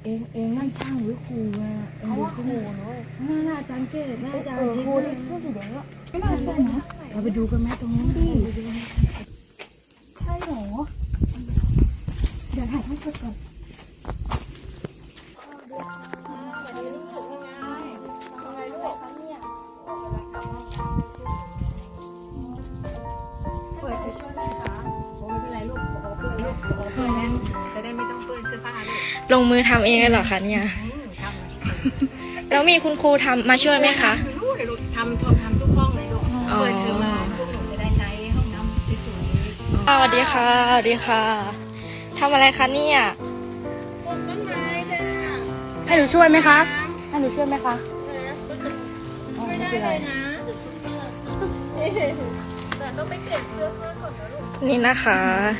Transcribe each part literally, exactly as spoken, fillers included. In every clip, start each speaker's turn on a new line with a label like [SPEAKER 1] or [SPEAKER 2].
[SPEAKER 1] เองเองนั่นช่างหรือครูอ่ะเองดูสิครูเนาะน่าอาจารย์เกศน่าอาจารย์ครูที่เสื้อสีแดงอ่ะไม่น่าใช่นะเราไปดูกันไหมตรงนั้นดิใช่หรอเดี๋ยวถ่ายให้สดก่อนเปิดไปช่วยได้ค่ะโอ้ไม่เป็นไรลูกขอเปิดลูกขอเปิดจะได้ไม่ต้องเปิดเสื้อผ้าลูก
[SPEAKER 2] ลงมือทำเองเลยเหรอคะเนี่ยแล้วมีคุณครูทำมาช่วยไหมคะ
[SPEAKER 1] ทำทำทำทุกห้องเลยลูกเปิดคือมาพวกหนูจะได้ใช้ห้องน้ำที่สวย
[SPEAKER 2] สวัสดีค่ะสวัสดีค่ะทำอะไรคะเนี่ย
[SPEAKER 1] ปลูกต้นไม้จ้ะ
[SPEAKER 2] ให้หนูช่วยไหมคะให้หนูช่วยไหมคะ
[SPEAKER 1] ไม่ได้เลยนะแต่ต้องไปเก็บเสื้อผ้าก่อนนะลูก
[SPEAKER 2] นี่นะคะ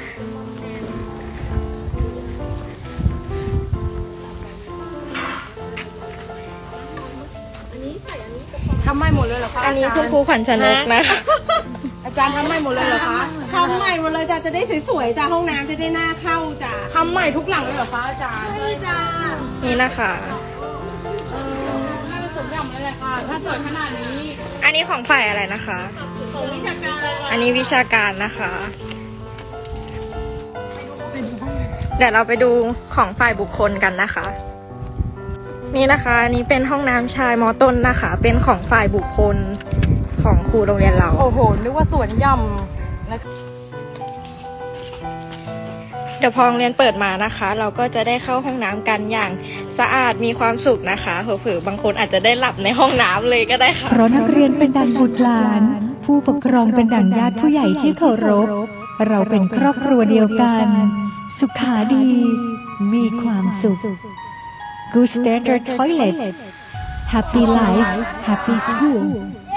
[SPEAKER 1] ทำใหม่หมดเลยเหรอคะ
[SPEAKER 2] อันนี้คุณครูขวัญชนกนะคะ
[SPEAKER 1] อาจารย์ทำใหม่หมดเลยเหรอคะ
[SPEAKER 3] ทำใหม่หมดเลยจ้ะจะได้สวยๆจ้ะห้องน้ำจะได้หน้าเข้าจ้ะ
[SPEAKER 1] ทำใหม่ทุกหลังเลยเหรอคะอาจารย์
[SPEAKER 3] ใช่จ้ะ
[SPEAKER 2] นี่นะคะ
[SPEAKER 1] น่าจะสมอย่างเลยค่ะถ้าสวยขนาดนี้
[SPEAKER 2] อันนี้ของฝ่ายอะไรนะคะ
[SPEAKER 1] ของวิชาการ
[SPEAKER 2] อันนี้วิชาการนะคะเดี๋ยวเราไปดูของฝ่ายบุคคลกันนะคะนี่นะคะอันนี้เป็นห้องน้ำชายม.ต้นนะคะเป็นของฝ่ายบุคคลของครูโรงเรียนเรา
[SPEAKER 1] โอ้โหนึกว่าสวนยำ
[SPEAKER 2] เดี๋ยวพอโรงเรียนเปิดมานะคะเราก็จะได้เข้าห้องน้ำกันอย่างสะอาดมีความสุขนะคะเผลอๆบางคนอาจจะได้หลับในห้องน้ำเลยก็ได้ค่ะ
[SPEAKER 4] เพราะนักเรียนเป็นดั่งบุตรหลานผู้ปกครองเป็นดั่งญาติผู้ใหญ่ที่เคารพเราเป็นครอบครัวเดียวกันสุขาดีมีความสุข Good Standard Toilet Happy Life Happy School